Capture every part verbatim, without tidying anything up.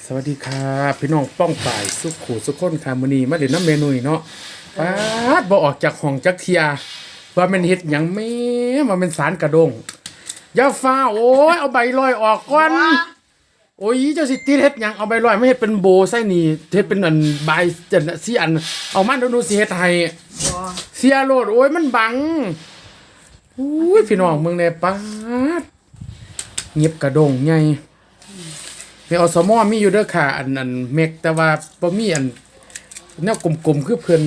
สวัสดีครับพี่น้องป้องป่ายสุขขู่สุขคนค่ะมื้อนี้มาเล่นน้ำเมนูเนาะป๊าดบ่ออกจากห้องจักเทียว่ามันเฮ็ดหยังแม่ว่ามันสารกระดงอย่าฟ้าโอ้ยเอาใบลอยออกก่อนโอ้ยเจ้าสิติเฮ็ดหยังเอาใบลอยมาเฮ็ดเป็นโบใส่นี่เฮ็ดเป็นอันใบจังซี่อันเอามันดูๆสิเฮ็ดให้เสียโลดโอ้ยมันบังอุ้ยพี่น้องเมืองแน่ป๊าดเงียบกระดงใหญ่ในอสมอมีอยู่เด้อค่ะอันอันเมกแต่ว่าบ่มีอันแนวกลมๆคือเพิ่น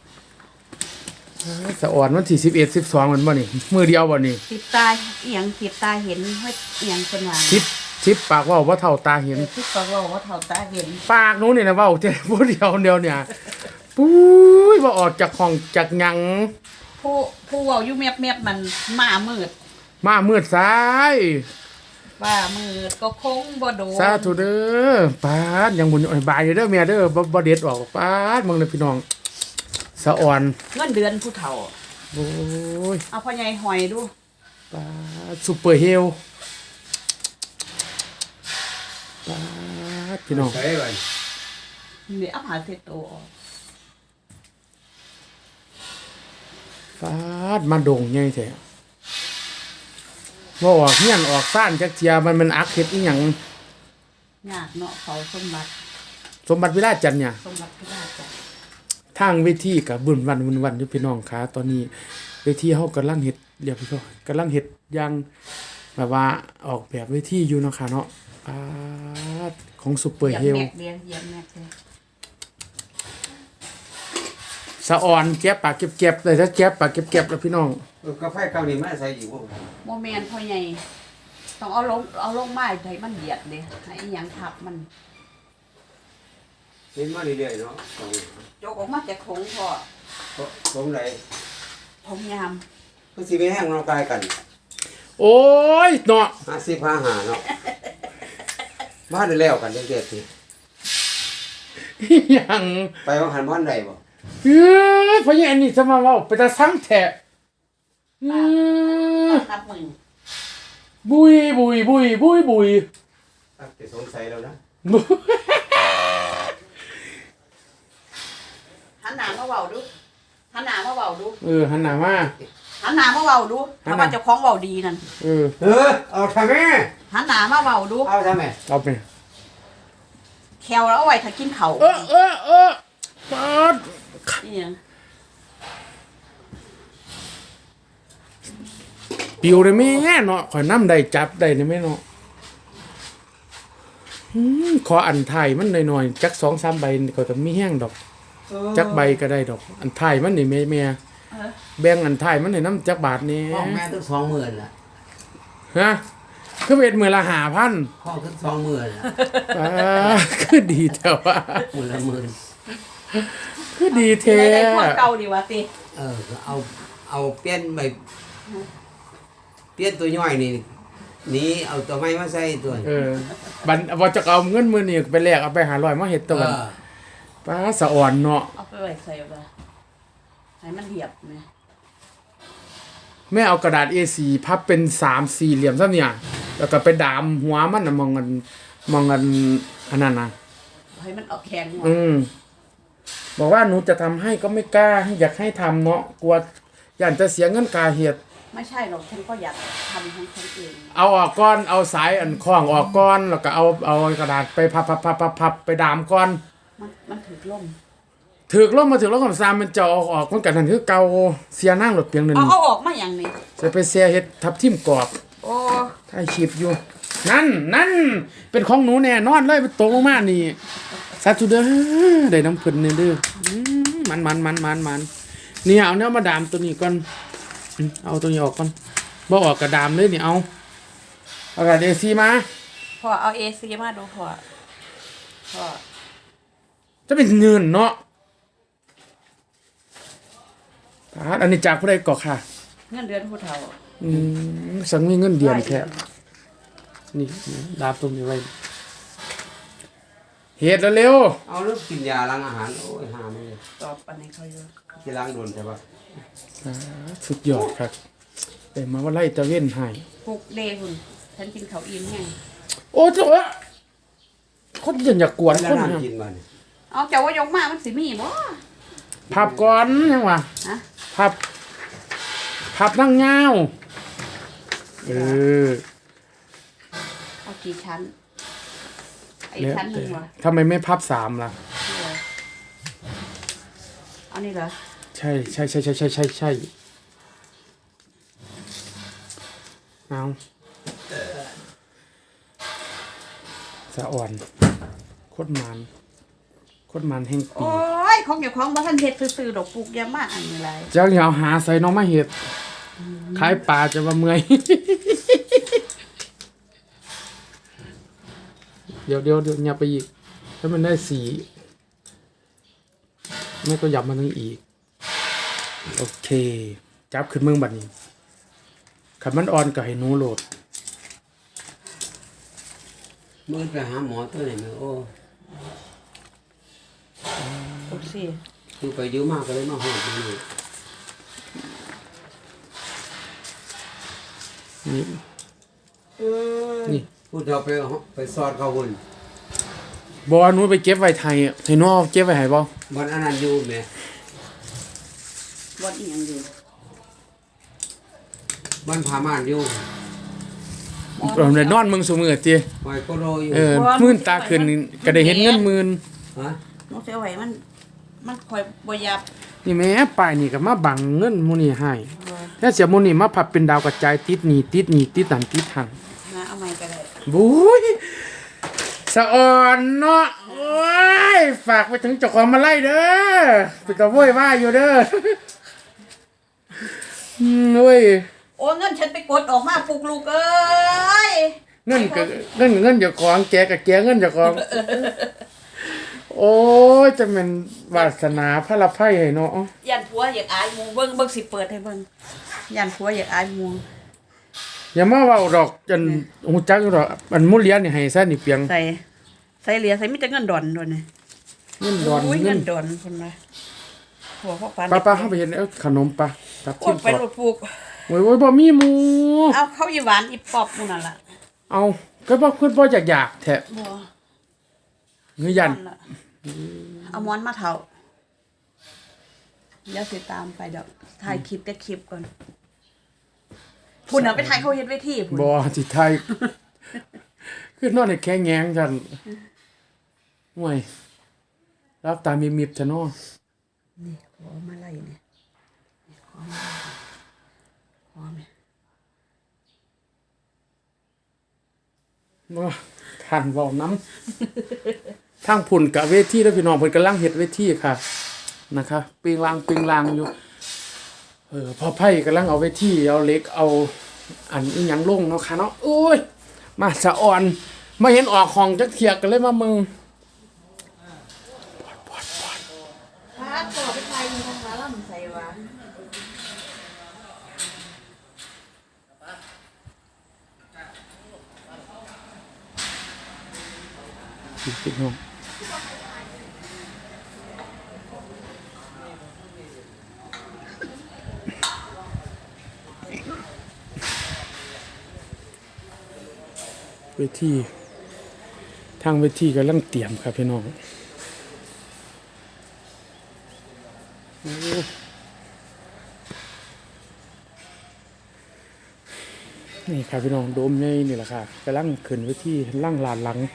สะอ่อนวันที่สิบเอ็ด สิบสองมันบ่นี่มื้อเดียวบ่นี่ติดตาอีหยังติดตาเห็นเฮ็ดอีหยังเพิ่นว่าสิบ สิบปากเว้าบ่เท่าตาเห็นสิบปากเว้าว่าเท่าตาเห็นปากหนูนี่นะเว้าแต่ผู้เดียวเดียวเนี่ยปุ้ยบ่ออกจากห้องจากหยังผู้ผู้เว้าอยู่แมบๆมันหมามืดมามืดซ้ายว่ามืดก็คงบ่โดนสาธุเด้อปาดยังบ่บายอยู่เด้อแม่เด้อบ่บ่เด็ดออกปาดมึงเด้อพี่น้องสะอ่อนเงินเดือนผู้เฒ่าโอ้ยเอาพ่อใหญ่หอยดูปาดซุปเปอร์เฮลปาดพี่น้องใส่ไว้นี่เอาหาเสร็จโตออกปาดมาดงใหญ่แท้บ่ออกเฮียนออกซ่านจักเทียมันมันอักเฮ็ดอีหยังยากเนาะเขาสมบัติสมบัติวิราชจันทร์เนี่ยสมบัติวิราชจันทร์ทางเวทีก็บึ้นวันบึ้นวันอยู่พี่น้องค่ะตอนนี้เวทีเฮากำลังเฮ็ดเรียบร้อยกำลังเฮ็ดอย่างแบบว่าออกแบบเวทีอยู่เนาะค่ะเนาะปาดของซุปเปอร์เฮลแม็กเดียวเยี่ยมแม็กเลยสะอ่อนแก็บปากเก็บๆเลยถ้าแก็บปากเก็บๆแล้วพี่น้องกาแฟเกาหลีมาใส่อยู่บ่โมเมนต์พ่อใหญ่ต้องเอาลงเอาลงไม้ให้มันเหยียดเลยให้อีหยังทับมันเห็นมาเรื่อยๆเนาะจกออกมาจากถุงพ่อตรงไหนถุงยามมันสิไปแห้งร่างกายกันโอ้ยเนาะห้าสิบ ห้าห้าเนาะบ้านได้แล้วกันเด็ดๆสิยังไปว่าหันบ้านใดบ่เอ้ยพ่อใหญ่อันนี้จะมาเว้าไปตาซังแท้อือนับมือบุยบุยบุยบุยบุยตักจะสงสัยแล้วนะหันหน้ามาเว้าดูหันหน้ามาเว้าดูเออหันหน้ามาหันหน้ามาเว้าดูถ้าว่าเจ้าของเว้าดีนั่นเออเออเอาทำแม่หันหน้ามาเว้าดูเอาทำแม่เอาไปแควแล้วเอาไว้ถ้ากินข้าวเออเออเออปาดนี่หยังปิวได้แม่เนาะข่อยนำได้จับได้นี่แม่เนาะอืมขออันถ่ายมันหน่อยๆจัก สองสาม ใบก็จะมีแห้งดอกจักใบก็ได้ดอกอันถ่ายมันนี่แม่แม่แบ่งอันถ่ายมันให้นำจักบาทนี่ห้องแม่ต้อง สองหมื่นล่ะฮะคือเฮ็ดมื้อละ ห้าพันห้องถึง สองหมื่นล่ะอ่าคือดีแท้ว่ามื้อละหมื่นคือดีแท้ได้พวกเก่าดีว่าติเออเอาเอาเปลี่ยนใบเปลี่ยนตัวย่อยนี่นี่เอาตัวไม้มาใส่ตัวเออบัดว่าจะเอาเงินมื้อนี้ไปแลกเอาไปห้าร้อยมาเฮ็ดตัวกันป้าสะอ่อนเนาะเอาไปไว้ใส่บ่ให้มันเหียบแม่แม่เอากระดาษ เอ สี่ พับเป็นสามสี่เหลี่ยมซะเนี่ยแล้วก็ไปดามหัวมันน่ะมองกันมองกันอันนั้นน่ะให้มันออกแข็งอืมบอกว่าหนูจะทำให้ก็ไม่กล้าอยากให้ทำเนาะกลัวย่านจะเสียเงินกาเฮ็ดไม่ใช่หรอกฉันก็อยากทำของฉันเองเอาออกก่อนเอาสายอันคล้องออกก่อนแล้วก็เอาเอากระดาษไปพับๆๆๆไปดามก่อนมันมันถึกลมถึกลมมาถึกลมกับซามมันจะออกออกมันกันนั่นคือเก่าเสียนั่งรถเพียงนึงเอาเอาออกมาอย่างนี้จะไปเสียเฮ็ดทับทิ่มกรอบโอ้ถ่ายคลิปอยู่นั่นนั่นเป็นของหนูแน่นอนเลยไปตกลงมานี่สาธุเด้อได้น้ำเพิ่นนี่เด้อมันมันมันมันมันนี่เอาเนื้อมาดามตัวนี้ก่อนเอาตัวนี้ออกก่อนบ่ออกกระดามเลยนี่เอาเอากระดาษ เอ สี่ มาพอเอา เอ ซี มาดูพอพอจะเป็นเงินเนาะอันนี้จากผู้ใดก่อค่ะเงินเดือนผู้เฒ่าอืมสังมีเงินเดือนแค่นี่ดาบตรงนี้ไว้เฮ็ดแล้วเร็วเอาลูกกินยาล้างอาหารโอ้ยหาไม่เลยตอบปันให้เขาเยอะที่ล้างโดนใช่ปะสุดยอดครับแต่มาว่าไล่ตะเว้นให้ปลุกเดหุ่นฉันกินข้าวอิ่มแห้งโอ้โหคคนที่อยากกวนแล้วคนน้ำเนี่ยกินบ่เนี่ยเอาเจ้าว่ายกมามันสิมีบ่พับก่อนยังวะฮะพับพับนั่งเงาเออเอากี่ชั้นไอ้แล้วชั้นหนึแต่งวะทำไมไม่พับสามล่ะนี่เหรอเอานี่เหรอใช่ใช่ใช่ใช่ใช่ใช่ใช่เอาสะอ่อนโคตรมันโคตรมันแห่งปีโอ้ยของเจ้าของบ่ทันเฮ็ดซื่อๆดอกปลูกยามาอันนี้ไรเจ้าอย่าเอาหาใส่น้องมาเห็ดขายปลาจะมาเมื่อย เดี๋ยวเดี๋ยวเดี๋ยวอย่าไปอีกถ้ามันได้สีแม่ก็ยับมานึงอีก โอเค จับขึ้นเมืองบัดนี้ขันมันอ่อนก็ให้หนูโหลดมื้อไปหาหมอตัวไหนมาโอ้โอเคอยู่ไปอยู่มาก็เลยมาหอดมานี่นี่ นี่พูดเอาไปเอาไปสอดเขาหุ่นบอหนูไปเก็บไว้ไทยอะให้หนูเอาเก็บไว้ให้บ่มันอันนั้นอยู่แหมบ่อีหยังอยู่มันพาม่านอยู่เราได้นอนเมืองซุมื้อติไว้ก็รออยู่เออมื่นตาขึ้นก็ได้เห็นเงินหมื่นฮะหนูสิเอาไว้มัน มันคอยบ่ยับนี่แม่ป้ายนี่ก็มาบังเงินหมู่นี่ให้บ่แล้วเสียหมู่นี่มาพับเป็นดาวกระจายติดหนี่ติดหนี่ติดนั่นติดหันนะเอาใหม่ก็ได้บุ้ยสะอ่อนเนาะโอ้ยฝากไปถึงเจ้าของมาไล่เด้อไปตะโวยว่าอยู่เด้ออืมเว้ยโอ้เงินฉันไปกดออกมาปลูกลูกเอ้ยเงินก็เงินก็เงินเจ้าของแกก็แกเงินเจ้าของโอ้ยจะเป็นวาสนาพระละไพ่ให้เนาะยันผัวอยากอายหมูเบิ่งเบิ่งสิเปิดให้เบิ่งยันผัวอยากอายหมูอย่ามาเว้าดอกจนฮู้จักอยู่ดอกอันมุเรียนนี่ให้ซะนี่เปียงใส่ใส่เหลียใส่มีแต่เงินดอนด้วยนะเงินดอนโยเงิเงินนดอนคนละหัวพ่อปานป้าป้าเข้าไปเห็นเอาขนมปะตับโอ้ทิยมไปปรอกถปลูกโอ้ยโอ้ยบ่มีหมูเอาเข้าอีหวานอีปอบนู่นน่ะล่ะเอาก็บ่เพิ่นบ่อยากอยากแท้บ่เงยยันนั่นล่ะเอาม้อนมาเถาเดี๋ยวสิตามไปดอกถ่ายคลิปแต่คลิปก่อนพุ่นน่ะไปถ่ายเขาเฮ็ดเวทีพุ่นบ่สิไทยคือนอนให้แข็งแงงจันห่วยรับตามีมิบๆซะเนาะนี่ขอมาไล่เนี่ยนี่ขอมาไล่ขอแม่บ่ท่านเว้านํทางพุ่นกะเวทีเด้อพี่น้องเพิ่นกำลังเฮ็ดเวทีค่ะนะคะปิงลางปิงลางอยู่เออพ่อไผกำลังเอาเวทีเอาเหล็กเอาอันอีหยังลงเนาะค่ะเนาะโอ้ยมาสะอ่อนมาเห็นออกห้องจักเที่ยกันเลยมามึงพาต่อไปถ่ายอยู่ทางร้านลำไส้วะพี่น้องเวทีทางเวทีกำลังเตรียมครับพี่น้องโอ้นี่ครับพี่น้องโดมใหญ่นี่แหละค่ะกำลังขึ้นเวทีล่างลานหลัง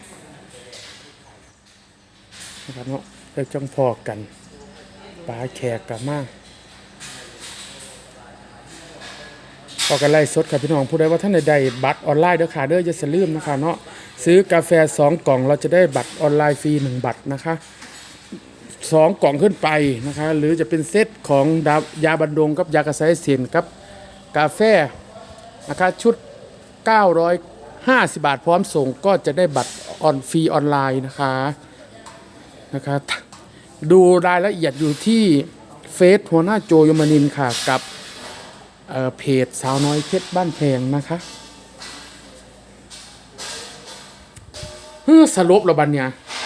นะครับเนาะไปจ้องพอกันปลาแขกกับมากพอกันไล่สดครับพี่น้องผู้ใดว่าท่านใดๆบัตรออนไลน์เด้อค่ะเด้ออย่าลืมนะคะเนาะซื้อกาแฟสองกล่องเราจะได้บัตรออนไลน์ฟรีหนึ่งบัตรนะคะสองกล่องขึ้นไปนะคะหรือจะเป็นเซตของดายาบันดงกับยากระไซเสียนกับกาแฟนะคะชุดเก้าร้อยห้าสิบบาทพร้อมส่งก็จะได้บัตรออนฟรีออนไลน์นะคะนะคะดูรายละเอียดอยู่ที่เฟซหัวหน้าโจยมนินทร์ค่ะกับเอ่อเพจสาวน้อยเพชรบ้านแพงนะคะเฮ้อสรุปแล้วบัดเนี่ย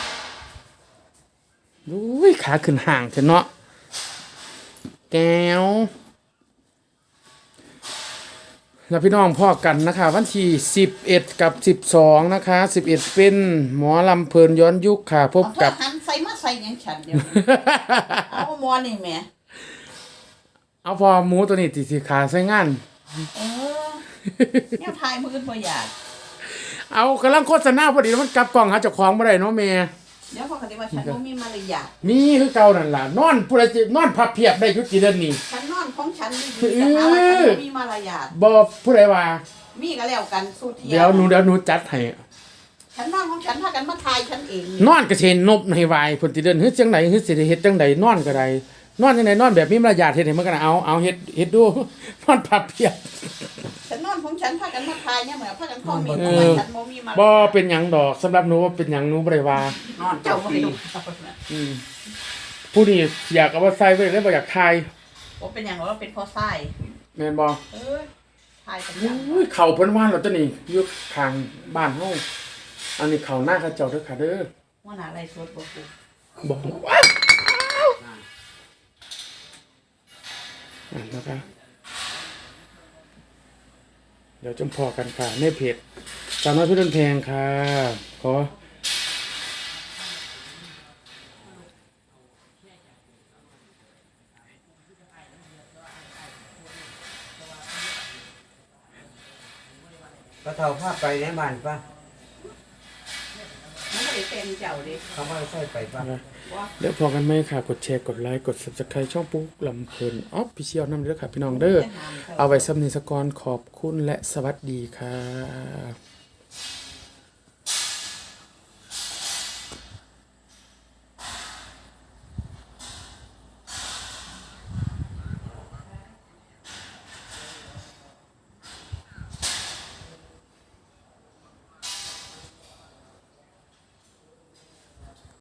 อุ้ยขาขึ้นห่างเถอะเนาะแก้วแล้วพี่น้องพ่อกันนะคะ วันที่สิบเอ็ดกับสิบสองนะคะสิบเอ็ดเป็นหมอลำเพลินย้อนยุคค่ะ พบเอากับหันใส่มาใส่หยังฉันเดี๋ยวนี้ เอาหมอนี่แหม่เอาพอหมูตัวนี้ติสิขาใส่งานเออแนวทายมือบ่อยากเอากำลังโฆษณาพอดีแล้วมันกลับกล่องหาเจ้าของบ่ได้เนาะแม่เดี๋ยวพอเขาจะว่าฉันบ่มีมารยาทมีคือเก่านั่นล่ะนอนผู้ใดสินอนพับเพียบได้อยู่กี่เดือนนี้ฉันนอนของฉันดีๆแต่หาว่าฉันบ่มีมารยาทบ่ผู้ใดว่ามีก็แล้วกันสู้เทียเดี๋ยวหนูเดี๋ยวหนูจัดให้ฉันนอนของฉันพากันมาทายฉันเองนอนก็สิเห็นนบในวายเพิ่นสิเดินเฮ็ดจังได๋เฮ็ดสิได้เฮ็ดจังไดนอนก็ได้นอนจังไดนอนแบบมีมารยาทเฮ็ดให้มันก็น่ะเอาเอาเฮ็ดเฮ็ดดู นอนพับเพียบฉันนอนของฉันพากันมาทายเนี่ยเหมือนพากันคอมเมนต์เอว่าอฉันบ่มีมารบ่ยาทเป็นหยังดอกสำหรับหนูว่าเป็นหยังหนูบ่ได้ว่านอนเจ้าเจ้าบ่ปีรู้อืมผู้นี้อยากเอามาใส่ไว้เลยบ่อยากทายว่าเป็นอย่างว่าเป็นพ่อไส้แม่นบ่เออทายกันอย่างอุ้ยเข้าเพิ่นว่าแล้วตัวนี้อยู่ข้างบ้านเฮาอันนี้เข้าหน้าเขาเจ้าเด้อค่ะเด้อว่าหนาอะไรสวดบ่กูบอกว้าวอ่านนะคะเดี๋ยวจมพอกันค่ะในเพจสาวน้อยเพี่ดนแพงค่ะ ขอก็เท่าภาพไปในบ้านป่ะมันก็เลยเต็มเจ้าดิเขาว่าใส่ไปป่ะเดี๋ยวพอกันไหมค่ะ กดแชร์ กดไลค์ กด Subscribe ช่องปุ๊กลำเพลินออฟฟิเชียลน้ำเด้อค่ะ พี่น้องเด้อ เอาไว้สำเนียงสกอนขอบคุณและสวัสดีค่ะ